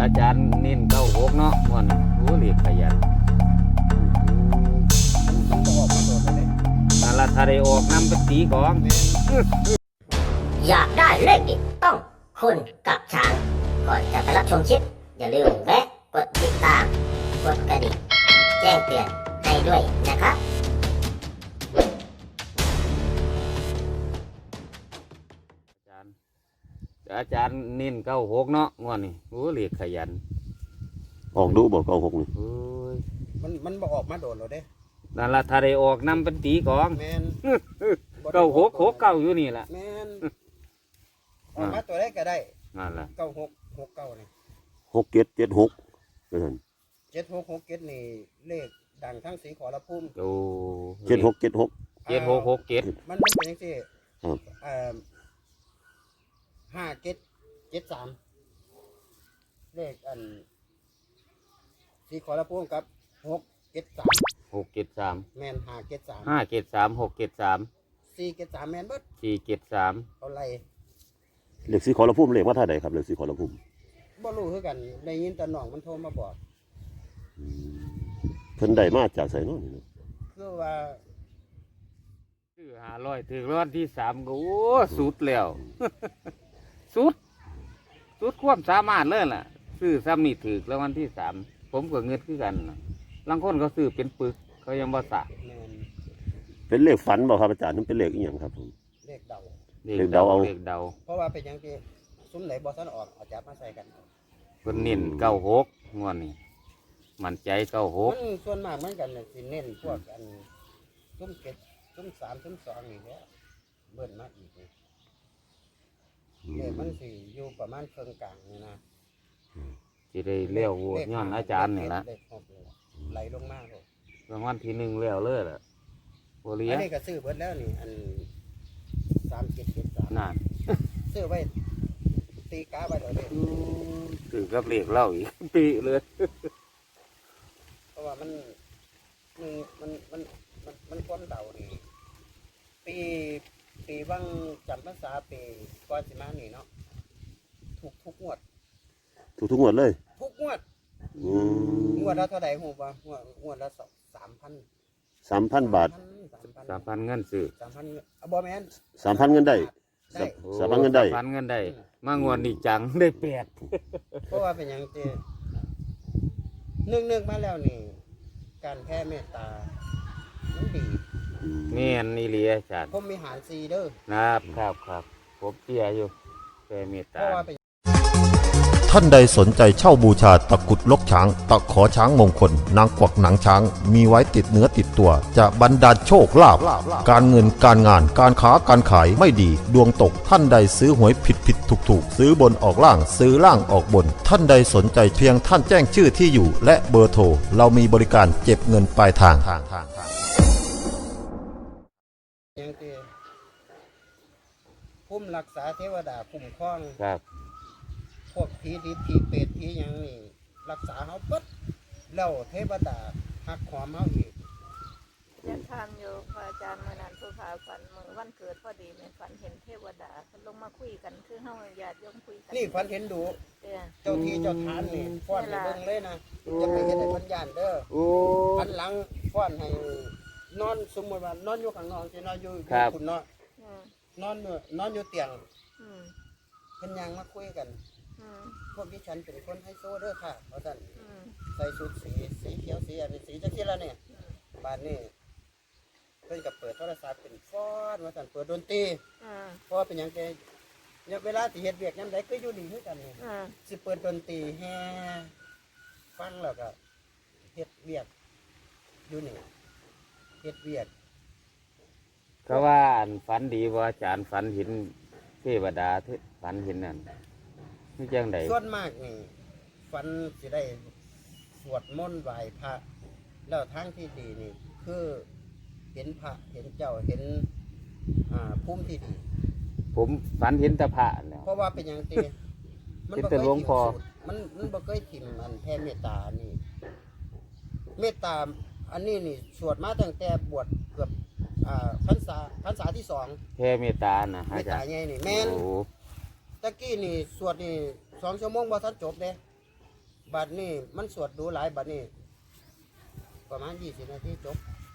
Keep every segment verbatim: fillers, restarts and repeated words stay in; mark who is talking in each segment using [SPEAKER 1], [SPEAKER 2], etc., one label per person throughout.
[SPEAKER 1] อาจารย์เน้นเก้าหกเนาะม่วนโอ้เรียกขยัน
[SPEAKER 2] มันต้องออกมาโดดเลย
[SPEAKER 1] นั่นละถ้าได้ออกนำไปตีกอง
[SPEAKER 3] อยากได้เลขเด็ดต้องคุณกับช้างก่อนจะไปรับชมคลิปอย่าลืมแวะกดติดตามกดกระดิ่งแจ้งเตือนให้ด้วยนะครับ
[SPEAKER 1] อาจารย์อาจารย์เน้นเก้าหกเนาะม่วนนี่โอ้เรียกขยัน
[SPEAKER 4] ออกดูบอกเก้าหกนี่
[SPEAKER 1] โอ้ย
[SPEAKER 2] มันมันบอกออกมาโดดเราเด้
[SPEAKER 1] นั่นละถ้าได้ออกนำไปตีกอง
[SPEAKER 2] แมน
[SPEAKER 1] เก้าหกหกเก้าอยู่นี่แหละ
[SPEAKER 2] แมนออกมาตัวได้ก็ได้
[SPEAKER 1] นั่นละ
[SPEAKER 2] เก้าหกหกเก้านี่
[SPEAKER 4] หกเจ็ดเจ็ดหกเท่านั้น
[SPEAKER 2] เจ็ดหกหกเจ็ดนี่เลขดังทั้งสีขอละพุ่ม
[SPEAKER 1] โอ้
[SPEAKER 4] เจ็ดหกเจ็ดหก
[SPEAKER 1] เจ็ดหกหกเจ็ด
[SPEAKER 2] มันมันเป็นยังไง
[SPEAKER 4] ครับ
[SPEAKER 2] เอ่อห้าเจ็ดเจ็ดสามเลขอันสีขอละพุ่มกับหกเจ็ดสาม
[SPEAKER 1] หกเจ็ดสาม
[SPEAKER 2] แมนห้าเจ็ดสาม
[SPEAKER 1] ห้าเจ็ดสามหกเจ็ดสาม
[SPEAKER 2] สี่เจ็ดสามแมนเบิด
[SPEAKER 1] สี่เจ็ดสาม
[SPEAKER 2] เอาไร
[SPEAKER 4] เลขสีขอละพุ่มเลขว่าท่าใดครับเลขสีขอละพุ่ม
[SPEAKER 2] บ่รู้คือกันได้ยินแต่น้องมันโทรมาบอก
[SPEAKER 4] เพิ่นได้มาจากไสเนาะนี่
[SPEAKER 2] คือว่า
[SPEAKER 1] ซื้อห้าร้อยถึงร้อนที่สามก็โอ้สุดแล้วสุดสุดความสามารถเลยล่ะซื้อซ้ำนี่ถือแล้ววันที่สามผมก็เงินคือกันบางคนเขาซื้อเป็นปึกเขายังบ่สะ
[SPEAKER 4] เป็นเลขฝันบ่ครับอาจารย์นั่นเป็นเลขอีหยังครับผม
[SPEAKER 2] เลขเดา
[SPEAKER 4] เลขเดาเอา
[SPEAKER 1] เลขเดา
[SPEAKER 2] เพราะว่าเป็นอย่างที่ซุ้มไหนบ่ทันออกเอาจับมาใส่กัน
[SPEAKER 1] เพิ่นเน้นเก้าหกงวดนี้มั่นใจเก้าหก
[SPEAKER 2] มันส่วนมากเหมือนกันน่ะสิเน้นพวกอันซุ้มเจ็ดซุ้มสามซุ้มสองนี่แหละเบิ่นมาอีกนี่เลขมันสิอยู่ประมาณครึ่งกลางนี่นะ
[SPEAKER 1] สิได้เลี้ยวโหวตย้อนอาจารย์นี่ละ
[SPEAKER 2] ไหลลงมาเลย
[SPEAKER 1] รางวัลที่หนึ่งเลี้ยวเลยล่ะโอเลี้ย
[SPEAKER 2] อันนี้ก็ซื้อเบิดแล้วนี่อันสามเจ็ดเจ็ดสาม
[SPEAKER 1] นั่น
[SPEAKER 2] ซื้อไว้ตีกาไว้เลย
[SPEAKER 1] ถือกับเลขเล่าอีกปีเลย
[SPEAKER 2] เพราะว่ามันมันมันมันมันมันก้นเดานี่ปีปีว่างจำภาษาปีก่อนสิมานี่เนาะถูกทุกงวด
[SPEAKER 4] ถูกทุกงวดเลย
[SPEAKER 2] ทุกงวดงวดละเท่าไหร่หูป่ะงวดงวดละสองสามพัน
[SPEAKER 4] สามพันบาท
[SPEAKER 1] สามพันเงินซื้อ
[SPEAKER 2] สามพันบอแมน
[SPEAKER 4] สามพันเงินได้สามพันเงินได้
[SPEAKER 1] สามพันเงินได้มางวดนี่จังได้แปด
[SPEAKER 2] เพราะว่าเป็นอย่างที่นึกนึกมาแล้วนี่การแพ้เมตตามันดี
[SPEAKER 1] เงี้ยนี่เลียจัด
[SPEAKER 2] ผมมีหารซีเด้อ
[SPEAKER 1] ครับครับครับผมเตี้ยอยู่แพ้เมตตา
[SPEAKER 5] ท่านใดสนใจเช่าบูชาตะกุดลกช้างตะขอช้างมงคลนางกวักหนังช้างมีไว้ติดเนื้อติดตัวจะบรรดาลโชคลาภการเงินการงานการค้าการขายไม่ดีดวงตกท่านใดซื้อหวยผิดผิดถูกถูกซื้อบนออกล่างซื้อล่างออกบนท่านใดสนใจเพียงท่านแจ้งชื่อที่อยู่และเบอร์โทรเรามีบริการเก็บเงินปลายทาง
[SPEAKER 2] ยังที่พุ่มรักษาเทวดาคุ้มครอง
[SPEAKER 1] ครับ
[SPEAKER 2] พวกผีดิบผีเป็ดผียังนี่รักษาเขาปั๊บแล้วเทวดาหักหอมเขาอีก
[SPEAKER 6] จะทางโยพระอาจารย์เมื่อนั้นผู้พาฝันเมื่อวันเกิดพอดีเนี่ยฝันเห็นเทวดาลงมาคุยกันคือเฮาญาติโยมคุยกัน
[SPEAKER 2] นี่ฝันเห็นดูเจ้าที่เจ้าทานนี่ฟ้อนให้เบิ่งเลยนะจะไปเห็นให้พันญาณเด้อพันหลังฟ้อนให้นอนสมมติว่านอนอยู่ข้างนอกจะนอนอยู่คุณเนาะนอนอยู่นอนอยู่เตียงเพิ่นยังมาคุยกันพวกที่ฉันเป็นคนไฮโซเด้อค่ะเพราะฉะนั้นใส่ชุดสีสีเขียวสีอันนี้สีจักรีละเนี่ยบ้านนี้เพิ่นกับเปิดโทรศัพท์เป็นฟ้อนว่าสั่นเปิดดนตรีเพราะเป็นอย่างแกเนี่ยเวลาที่เฮ็ดเวียกยามใดก็อยู่ดีคือกันนี่สิเปิดดนตรีแฮ่ฟังแล้วก็เฮ็ดเวียกอยู่นี่เฮ็ดเวียก
[SPEAKER 1] ก็ว่าอันฝันดีว่าอาจารย์ฝันเห็นเทวดาฝันเห็นนั่นนี่จังได
[SPEAKER 2] ส่วนมากนี่ฝันสิได้สวดมนต์ไหว้พระแล้วทางที่ดีนี่คือเห็นพระเห็นเจ้าเห็นอ่าภูมิที่ดี
[SPEAKER 1] ผมฝันเห็นแต่พระแล้ว
[SPEAKER 2] เพราะว่าเป็นอย่างตี
[SPEAKER 1] มันบ่เคยหลวงพ่อ
[SPEAKER 2] มันมันบ่เคยถิ่มอันแผ่เมตตานี่เมตตาอันนี้นี่สวดมาตั้งแต่บวชเกือบอ่าพรรษาพรรษาที่สอง
[SPEAKER 1] แผ่เมตตานะ
[SPEAKER 2] เมตตาไงนี่แม่นตะกี้นี่สวดนี่สองชั่วโมงบ่ทันจบเด้บัดนี้มันสวดดูหลายบัดนี้ประมาณยี่สิบนาทีจบ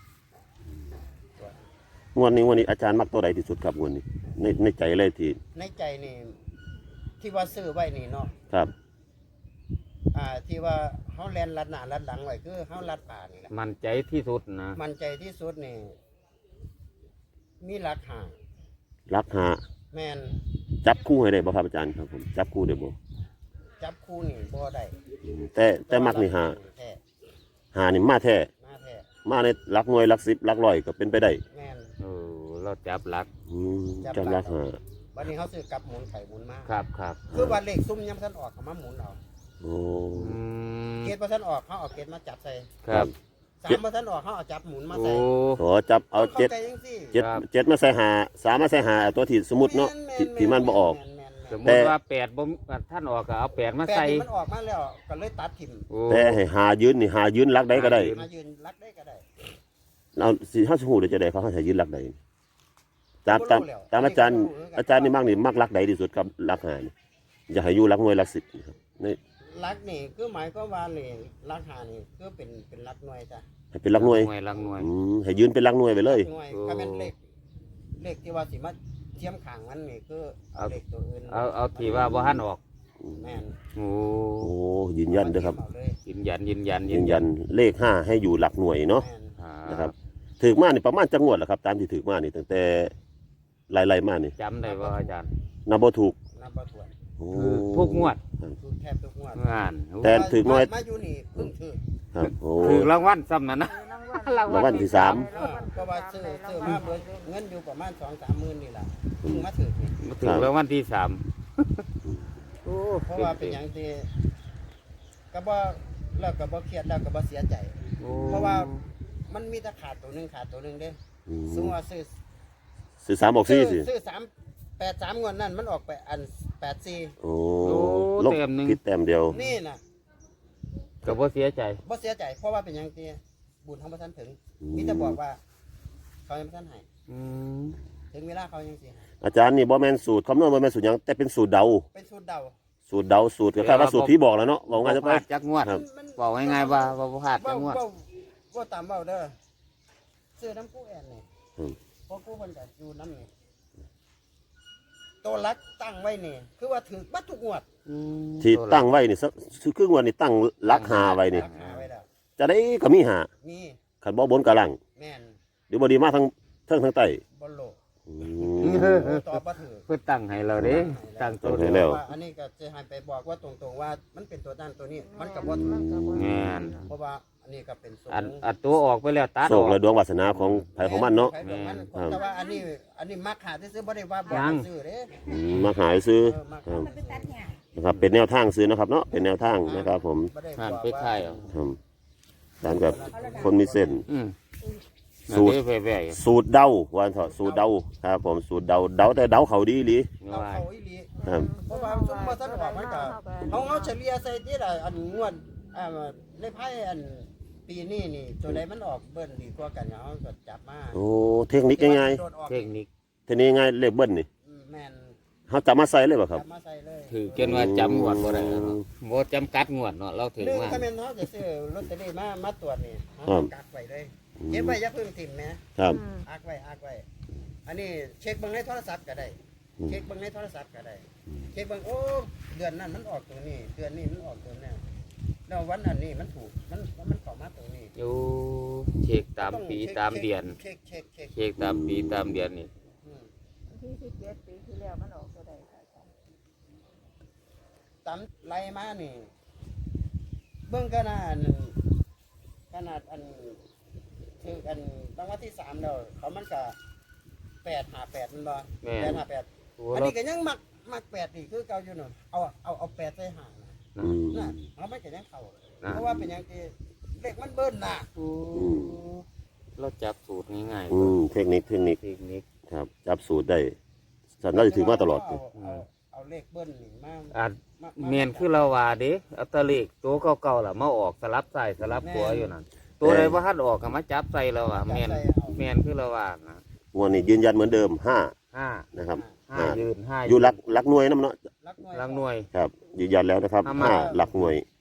[SPEAKER 4] งวดนี้งวดนี้อาจารย์มักตัวใดที่สุดครับงวดนี้ในในใจเลยที่
[SPEAKER 2] ในใจนี่ที่ว่าซื้อไว้นี่เนาะ
[SPEAKER 4] ครับ
[SPEAKER 2] อ่าที่ว่าเฮาแลนลัดหน้าลัดหลังไว้คือเฮาลัดป่านี่แหละ
[SPEAKER 1] มันใจที่สุดนะ
[SPEAKER 2] มันใจที่สุดนี่มีหลักหา
[SPEAKER 4] รักหา
[SPEAKER 2] แม่น
[SPEAKER 4] จับคู่ให้ได้บ่ครับอาจารย์ครับผมจับคู่ได้บ่
[SPEAKER 2] จับคู่นี่บ่ได้
[SPEAKER 4] อืมแต่แต่มักนี่หา
[SPEAKER 2] แท้
[SPEAKER 4] หานี่มาแท้
[SPEAKER 2] มาแท้
[SPEAKER 4] มาในหลักหน่วยหลักสิบหลักร้อยก็เป็นไปได้
[SPEAKER 2] แม่น
[SPEAKER 1] เออเราจับหลัก
[SPEAKER 4] อืมจับหลักหา
[SPEAKER 2] บัดนี้เฮาซื้อกลับหมุนไข่หมุนมา
[SPEAKER 1] ครับครับ
[SPEAKER 2] คือว่าเลขซุ่มยามทันออกก็มาหมุนเอา
[SPEAKER 4] โอ้
[SPEAKER 1] อืม
[SPEAKER 2] เกตบ่ทันออกเฮาเอาเกตมาจับใส่
[SPEAKER 1] ครับ
[SPEAKER 2] สามบ่ทันออกเฮาเอาจับหมุนมา
[SPEAKER 1] โอ้
[SPEAKER 2] ใส่
[SPEAKER 4] ขอจับเอาเจ็ด
[SPEAKER 2] ข้ใจจังซี่
[SPEAKER 4] เจ็ด
[SPEAKER 1] ครับ
[SPEAKER 4] เจ็ดมาใส่หาสามมาใส่หาตัวที่สมมุติเนาะที่ที่มันบ่ออก
[SPEAKER 2] แม่นๆๆ
[SPEAKER 1] สมม
[SPEAKER 4] แต่
[SPEAKER 1] ติว่าแปดบ่ท่านออกก็เอาแปดมา
[SPEAKER 2] แปด
[SPEAKER 1] ใส่
[SPEAKER 2] นี่มันออกมาแล้วก็เลยตัดถิ่ม
[SPEAKER 1] โอ้
[SPEAKER 4] แต่ให้หายืนนี่หายืนหลักใดก็ได้
[SPEAKER 1] หายืน
[SPEAKER 2] มายืนรักได้ก็ได้
[SPEAKER 4] เอาสิเฮาสิฮู้ได้จะได้เขาให้ยืนหลักใดตามตามตามอาจารย์อาจารย์นี่มักนี่มักหลักใดที่สุดครับหลักหานี่อยากให้อยู่หลักหน่วยหลักสิบนะครับนี่
[SPEAKER 2] รักนี่คือหมายความว่านี่รักหานี่คือเป็นเป็นรักหน่วยจ้ะ
[SPEAKER 4] ให้เป็นหลักหน่วย
[SPEAKER 1] หน่วยลังหน่วย
[SPEAKER 4] อืมให้ยืนเป็นหลักหน่วยไปเลย
[SPEAKER 2] หน่วย
[SPEAKER 1] โอ้
[SPEAKER 2] ถ้าเป็นเลขเลขที่ว่าสิมาเทียมข้างมันนี่คือเอาเลขตัวอื่น
[SPEAKER 1] เอาเอาที่ว่าบ่ท่านออก
[SPEAKER 2] แม่น
[SPEAKER 1] โอ้
[SPEAKER 4] โอ้ยืนยันเด้อครับ
[SPEAKER 2] เอาเลย
[SPEAKER 1] ยืนยันยืนยัน
[SPEAKER 4] ยืนยันเลขห้าให้อยู่หลักหน่วยเนาะ
[SPEAKER 2] แม่น
[SPEAKER 1] อ่า
[SPEAKER 4] นะครับถือมานี่ประมาณจังหวัดแหละครับ ตามที่ถือมานี่ตั้งแต่ไล่ๆมานี่
[SPEAKER 1] จำได้ว่าอาจารย์
[SPEAKER 4] นับบ่ถูก
[SPEAKER 2] นับบ่ถ้วน
[SPEAKER 4] โอ้
[SPEAKER 1] คือทุกงวด
[SPEAKER 2] ทุกแทบทุกงวด
[SPEAKER 1] งาน
[SPEAKER 4] แต่ถือน้อย
[SPEAKER 2] มาอยู่นี่เพิ่งถือ
[SPEAKER 4] ครับโอ้
[SPEAKER 1] ถือรางวัลซ้ำนั่นนะ
[SPEAKER 4] รางวัลที่สาม
[SPEAKER 2] เออเพราะว่าซื้อซื้อมาเบิดเงินอยู่ประมาณ สองถึงสามหมื่นนี่ล่ะเพิ่งมาถือนี่
[SPEAKER 1] มาถึงรางวัลที่สามโอ้
[SPEAKER 2] เพราะว่าเป็นหยังที่ก็บ่แล้วก็บ่เครียดแล้วก็บ่เสียใจ
[SPEAKER 1] โอ้
[SPEAKER 2] เพราะว่ามันมีแต่ขาดตัวหนึงขาดตัวหนึงเด้
[SPEAKER 4] อืม
[SPEAKER 2] สมมุติว่าซื้อ
[SPEAKER 4] ซื้อสามบอกสี่สิ
[SPEAKER 2] ซื้อสามแปดสามงวดนั่นมันออกไปอันแปดสี่
[SPEAKER 4] โอ้
[SPEAKER 1] โอ้
[SPEAKER 4] ลบ
[SPEAKER 1] เต็มหนึ่ง
[SPEAKER 4] ผิดแต้มเดียว
[SPEAKER 2] นี่น่ะ
[SPEAKER 1] ก็บ่เสียใจ
[SPEAKER 2] บ่เสียใจเพราะว่าเป็นหยังที่บุญของพระท่านถึงมีแต่บอกว่า เขายังบ่ทันให้
[SPEAKER 1] อืม
[SPEAKER 2] ถึงเวลาเขายังสิให้
[SPEAKER 4] อาจารย์นี่บ่แม่นสูตรคำนวณบ่แม่นสูตรหยังแต่เป็นสูตรเดา
[SPEAKER 2] เป็นสูตรเดา
[SPEAKER 4] สูตรเดาสูตรก็แค่ว่าสูตรที่บอกแล้วเนาะบอก
[SPEAKER 1] บ่
[SPEAKER 4] ง่ายจะ
[SPEAKER 1] พ
[SPEAKER 4] ไป
[SPEAKER 1] ลาดจักงวด
[SPEAKER 4] ครับ
[SPEAKER 2] มัน
[SPEAKER 1] บอกง่ายๆว่าบ่พลาดจั
[SPEAKER 2] เว้าก
[SPEAKER 1] งวด
[SPEAKER 2] เว้าเว้าตามเว้าเด้อซื้อน้ำกู้แอนนี่
[SPEAKER 4] อืม
[SPEAKER 2] เพราะกู้เพิ่นก็อยู่น้ำนี่ตัวรักตั้งไว้นี่ คือว่าถือบัดทุกงวด
[SPEAKER 1] อืม
[SPEAKER 4] ที่ตั้งไว้นี่สักครึ่งวันนี่ตั้งหลักหาไว้นี่
[SPEAKER 2] รักหาไว้แล้ว
[SPEAKER 4] จะได้ก็มีหา
[SPEAKER 2] มี
[SPEAKER 4] ขันบ่บนกะลัง
[SPEAKER 2] แม่น
[SPEAKER 4] หรือบ่ดีมาทั้งเทิงทั้งใต้
[SPEAKER 2] บอลโลก
[SPEAKER 4] อืม
[SPEAKER 2] ตอบบ่ถือ
[SPEAKER 1] เพื่อตั้งให้เราเด้ตั้งตัว
[SPEAKER 4] ให้แล้ว
[SPEAKER 2] ว่าอันนี้ก็จะให้ไปบอกว่าตรงๆว่ามันเป็นตัวนั้นตัวนี้ มันก็บ่ถูก
[SPEAKER 1] แม่น
[SPEAKER 2] เพราะว่าอันนี้ก็เป็นสูง
[SPEAKER 1] อันอันตัวออกไปแล้วตัด
[SPEAKER 4] โช
[SPEAKER 1] อ
[SPEAKER 4] ค
[SPEAKER 1] อก
[SPEAKER 4] และดวงวาสนาของไผของมันเนาะ
[SPEAKER 2] ใครของมัน
[SPEAKER 4] ครับ
[SPEAKER 2] แต่ว่าอันนี้อันนี้มักหาที่ซื้อบ่ได้ว่าบ่
[SPEAKER 1] ยัง
[SPEAKER 2] ซื้อเด้
[SPEAKER 4] อืมมาหายซื้อ
[SPEAKER 2] เออมัก
[SPEAKER 4] ครั
[SPEAKER 2] หา
[SPEAKER 4] บ
[SPEAKER 2] ที่ซื้อ
[SPEAKER 4] นะครับเป็นแนวทางซื้อนะครับเนาะเป็นแนวทางนะครับผม
[SPEAKER 2] บ่ได้
[SPEAKER 1] ผ่าน
[SPEAKER 2] บอก
[SPEAKER 1] ไปค่ายเอา
[SPEAKER 4] ครับตามกับคนมีเส้น
[SPEAKER 1] อืม
[SPEAKER 4] สูตร
[SPEAKER 1] อันนี้แว่ๆ
[SPEAKER 4] สูตรเดาวันเถอะสูตรเดาครับผมสูตรเดาเดาแต่เดาเขาดีหลี
[SPEAKER 2] เรา
[SPEAKER 1] ว่า
[SPEAKER 2] เขาอีหลี
[SPEAKER 4] ครับ
[SPEAKER 2] เพราะว่าซุมบ่ทันออกมันก็เฮาเฮาเฉลี่ยใส่ที่ละอันงวดอ่าในไพ่อันปีนี้นี่ตัวใดมันออกเบิ้ลดีกว่ากันเฮาก็จับมา
[SPEAKER 4] โอ้เทคนิคง่าย
[SPEAKER 2] โดดออก
[SPEAKER 1] เทคนิค
[SPEAKER 4] ๆเทคนิคง่ายเลขเบิ้ลนี่
[SPEAKER 2] อืมแม่น
[SPEAKER 4] เขาจับมาใส่เลยป่ะครับ
[SPEAKER 2] จับมาใส่เลย
[SPEAKER 1] ถือจนว่าจำงวดบ่ได้แล้วเนาะบ่จำกัดงวดเนาะเราถือ
[SPEAKER 2] หนึ่ง
[SPEAKER 1] มา
[SPEAKER 2] ถ้าแม่นเฮาจะซื้อลอตเตอรี่มามาตรวจนี่เฮา
[SPEAKER 4] ครับ
[SPEAKER 2] กักไว้เลยเก็บไว้อย่าเพิ่งถิ่มแหม
[SPEAKER 4] ครับ
[SPEAKER 2] อักไว้อักไว้อันนี้เช็คเบิ่งในโทรศัพท์ก็ได้
[SPEAKER 4] อืม
[SPEAKER 2] เช็คเบิ่งในโทรศัพท์ก็ได้เช็คเบิ่งโอ้เดือนนั้นมันออกตัวนี้ เดือนนี้มันออกตัวนี้แล้ววันอันนี้มันถูกมันมันเข้ามาตัวนี้
[SPEAKER 1] อยู่เช็คตาม
[SPEAKER 2] ต้อง
[SPEAKER 1] ปี
[SPEAKER 2] ช็ค
[SPEAKER 1] ตามเดือน
[SPEAKER 2] เช็คเช็คเช็ค
[SPEAKER 1] เช็คตามปีตามเดือนนี่
[SPEAKER 2] อืม
[SPEAKER 6] ที่สิบเจ็ดปีที่แล้วมันออกตัวใดค่ะอาจารย์
[SPEAKER 2] ตามไล่มานี่ เบิ่งขนาดขนาดอันคืออันรางวัลที่สามแล้วเขามันก็แปดหาแปดมันบ่
[SPEAKER 1] แม่
[SPEAKER 2] แปดหาแปด
[SPEAKER 1] โอ้
[SPEAKER 2] อัน
[SPEAKER 1] เรา
[SPEAKER 2] นี้ก็ยังมักมักแปดอีกคือเก่าอยู่เนาะเอาเอาเอาแปดใส่หางน่ะ
[SPEAKER 4] อืม
[SPEAKER 2] น่ะเอาไม่ก็ยังเข้า
[SPEAKER 1] นะ
[SPEAKER 2] เพราะว่าเป็นหยังที่เลขมันเบิ้ลน่ะ
[SPEAKER 1] โอ้เราจับสูตรง่ายๆ
[SPEAKER 4] อืมเทคนิคเทคนิค
[SPEAKER 1] เทคนิค
[SPEAKER 4] ครับจับสูตรได้สันน่าจะถือมาตลอด
[SPEAKER 2] เอาเอาเอาเลขเบิ้ลนี่มา
[SPEAKER 1] อาจ
[SPEAKER 2] มา
[SPEAKER 1] เมียนคือเราว่าเด้เอาแตะเลขตัวเก่าๆล่ะมาออกสลับซ้ายสลับขวาอยู่นั่นตัวใดบ่ทันออกก็มาจับใส่เราอ่ะเมียนเมียนคือเราว่านะ
[SPEAKER 4] งวดนี้ยืนยันเหมือนเดิมห้า
[SPEAKER 1] ห้า
[SPEAKER 4] นะครับ
[SPEAKER 1] ห้ายืนห้า
[SPEAKER 4] อยู่หลักหลักหน่วยน้ำเนาะ
[SPEAKER 2] รักหน่วย
[SPEAKER 1] ลังหน่วย
[SPEAKER 4] ครับยืนยันแล้วนะครับ
[SPEAKER 1] ห้ามา
[SPEAKER 4] ห้าหลักหน่วย
[SPEAKER 1] ล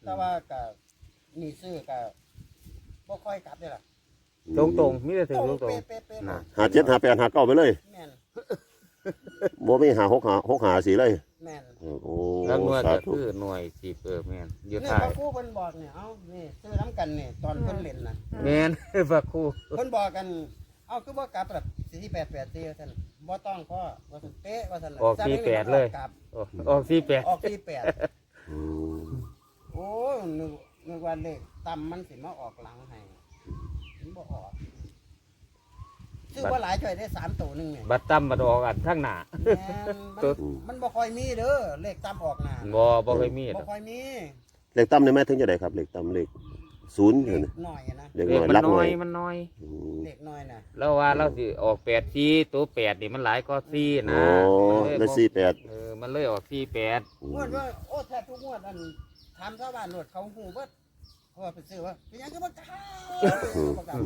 [SPEAKER 2] แต่ว่าก็นี่ซื้อก็บ่ค่อยกลับเด้ล่ะ
[SPEAKER 1] ตรงตรงๆมีแต่ถึงตรงตรง
[SPEAKER 2] เป๊ะๆ
[SPEAKER 1] ๆนะ
[SPEAKER 4] หาเจ็ดหาแปดหาเก้าไปเลย
[SPEAKER 2] แม่น
[SPEAKER 4] บ่มีหาหกหาหกหาสีเลย
[SPEAKER 2] แม่น
[SPEAKER 4] โอ้
[SPEAKER 1] แล้วหน่วย
[SPEAKER 4] สา
[SPEAKER 1] ก็
[SPEAKER 4] ธุ
[SPEAKER 1] คือหน่วยสิบเออแม่นอยู่
[SPEAKER 2] นี่
[SPEAKER 1] ท้า
[SPEAKER 2] พ
[SPEAKER 1] ย
[SPEAKER 2] ระครูเพิ่นบอกเนี่ยเอ้านี่ซื้อน้ำกันนี่ตอนเพิ่นเล่นน่ะ
[SPEAKER 1] แม่น พระครู
[SPEAKER 2] เพิ่นบอกกันเอ้าคือบ่กลับแบบสี่แปดแปดสี่ว่าซั่นบ่ต้องพ่อว่าซั่นเป๊ะว่าซั่น
[SPEAKER 1] ออกสี่แปดเลย
[SPEAKER 2] กลับ
[SPEAKER 1] ออกออกสี่แปด
[SPEAKER 2] ออกสี่แปด
[SPEAKER 4] อืม
[SPEAKER 2] โอ้ยนึกนึกว่าเลขต่ำมันสิมาออกหลังให้มันบ่ออกซื้อบ่หลายจ่อยได้สามตัวหนึงเนี่ย
[SPEAKER 1] บัตรตั้มบัตรออกอันข้างหน้า
[SPEAKER 2] แม่นมันมันบ่ค่อยมีเด้อเลขต่ำออกหน้า
[SPEAKER 1] บ่บ่เคยมีด
[SPEAKER 2] บ่
[SPEAKER 1] อก
[SPEAKER 2] ค่อยมี
[SPEAKER 4] เลขต่ำในแม่ถึงจะได้ครับเลขต่ำเลขศูนย์
[SPEAKER 2] เล
[SPEAKER 4] เนี่ย
[SPEAKER 2] ขน้อยอะนะ
[SPEAKER 4] เลข
[SPEAKER 1] เลข
[SPEAKER 4] น้อย
[SPEAKER 1] มัน
[SPEAKER 4] รัก
[SPEAKER 1] น้
[SPEAKER 4] น้
[SPEAKER 1] อ
[SPEAKER 4] อย ย
[SPEAKER 1] มันน้อย
[SPEAKER 4] อืม
[SPEAKER 2] เลขน้อยน่ะ
[SPEAKER 1] แล้วว่าเราสิออกแปดสี่ตัวแปดนี่มันหลายก็สี่นะ
[SPEAKER 4] อ๋อ
[SPEAKER 1] เออ
[SPEAKER 4] ได้สี่แปด
[SPEAKER 1] เออมันเลยออกสี่แปด
[SPEAKER 2] งวดว่าโอ้แทบทุกงวดอันถามชาวบ้านโลดเขาฮู้เบิดเพราะว่าไปซื้อว่าเป็นหยังก็บ่กล้าบ่กล้า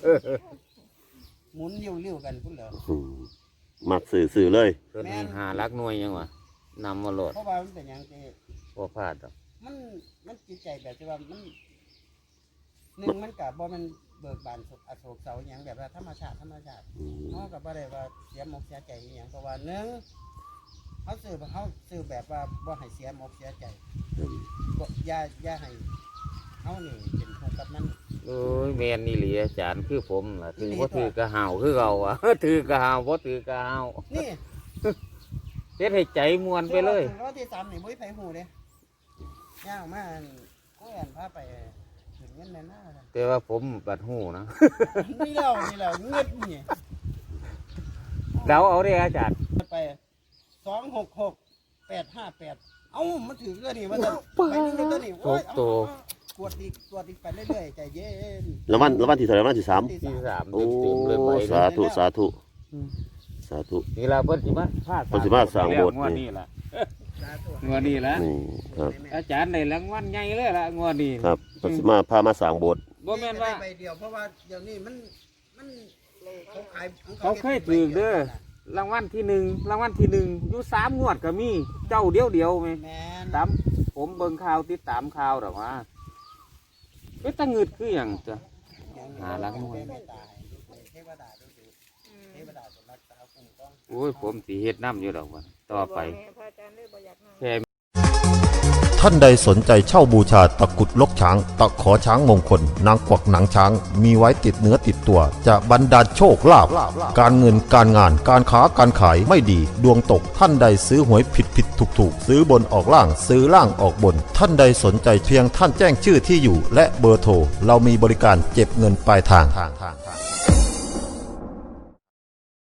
[SPEAKER 2] หมุนริ้วๆกันพุ่นเหรอ
[SPEAKER 4] อืมมักสื่อสื่อเลย
[SPEAKER 1] ตัวนี้หารักหน่วยยังวะนำมาโหลด
[SPEAKER 2] เพราะว่ามันเป็นหยังที่
[SPEAKER 1] บ่พลาดดอก
[SPEAKER 2] มันมันจิตใจแบบที่ว่ามันหนึ่งมันกับบ่มันเบิกบานอโศกเสาอหย่างแบบว่าธรรมชาติธรรมชาติ
[SPEAKER 4] อืม
[SPEAKER 2] เขากับบ่ได้ว่าเสียหมกเสียใจอหย่างเพราะว่าหนึ่งเขาซื้อเขาซื้อแบบว่าบ่ให้เสียหมกเสียใจบ่อย่าอย่าให้เขานี่เป็นทุกข์กับมัน
[SPEAKER 1] เอ้ยแม่นนี่เหลีอาจารย์คือผมล่ะถือ
[SPEAKER 2] อีหลี
[SPEAKER 1] บ่
[SPEAKER 2] ตัว
[SPEAKER 1] ถือกระหาวคือเราอ่ะ ถือกระหาวบ่ถือกระหาว
[SPEAKER 2] นี่
[SPEAKER 1] เฮ็ดให้ใจมวนไปเลย
[SPEAKER 2] รอบที่สามนี่บ่มีไผฮู้เด้ย่างมาอันก็อันพาไปถึงเงินในหน้า
[SPEAKER 1] แต่ว่าผมบัดหูนะ
[SPEAKER 2] นี่แล้วนี่แล้วเงินนี่
[SPEAKER 1] เดาเอาเด้อาจารย์
[SPEAKER 2] ไปสองหกหกแปดห้าแปดเอ้ามันถือเรื่องนี่มันจะไปเรื่องตัวนี้โอ้ยเอาเอาเอากวดอีกกวดอีกไปเรื่อยๆใจเย็น
[SPEAKER 4] แล้ววันแล้ววันที่เท่าไหร่วันที่สาม
[SPEAKER 2] ที่
[SPEAKER 1] ที่
[SPEAKER 2] สาม
[SPEAKER 1] สาม
[SPEAKER 4] โอ้
[SPEAKER 1] เต็มๆเลยไป
[SPEAKER 4] สาธุสาธุสาธุ
[SPEAKER 1] นี่ล่ะเพิ่นสิมาพา
[SPEAKER 4] เพิ่นสิมาสร้างโบสถ์
[SPEAKER 1] งวดนี้ล่ะ
[SPEAKER 2] สาธุ
[SPEAKER 1] งวดนี้ล่ะ
[SPEAKER 4] นี่ครับ
[SPEAKER 1] อาจารย์ได้รางวัลใหญ่เลยล่ะงวดนี้
[SPEAKER 4] ครับเพิ่นสิมาพามาสร้างโบสถ์
[SPEAKER 1] บ่แม่นว่า
[SPEAKER 2] ใบเดียวเพราะว่าเดี๋ยวนี้มันมันเขาขาย
[SPEAKER 1] เขาเคยถือเด้อรางวัลที่หนึ่งรางวัลที่หนึ่งอยู่สามงวดก็มีเจ้าเดียวเดียวไหม
[SPEAKER 2] แมน
[SPEAKER 1] ตามผมเบิ่งข่าวติดตามข่าวหรอกว่าเป็นตะงึดคืออย่างจ้ะ หารักหน่วย
[SPEAKER 2] เทวดาเทวดาดูสิเทวดาจะรักษาคุ้มครอง
[SPEAKER 1] โอ้ยผมสีเฮ็ดน้ำอยู่ดอกว่าต่อไป
[SPEAKER 6] พระอาจารย์เลยบ่อยากมา
[SPEAKER 1] แค่
[SPEAKER 5] ท่านใดสนใจเช่าบูชาตะกรุดลกช้าง ตะขอช้างมงคล นางกวักหนังช้าง มีไว้ติดเนื้อติดตัว จะบรรดาลโชคลาภการเงินการงานการค้าการขายไม่ดี ดวงตกท่านใดซื้อหวยผิดผิดถูกถูกซื้อบนออกล่างซื้อล่างออกบน ท่านใดสนใจเพียงท่านแจ้งชื่อที่อยู่ และเบอร์โทรเรามีบริการเก็บเงินปลายทาง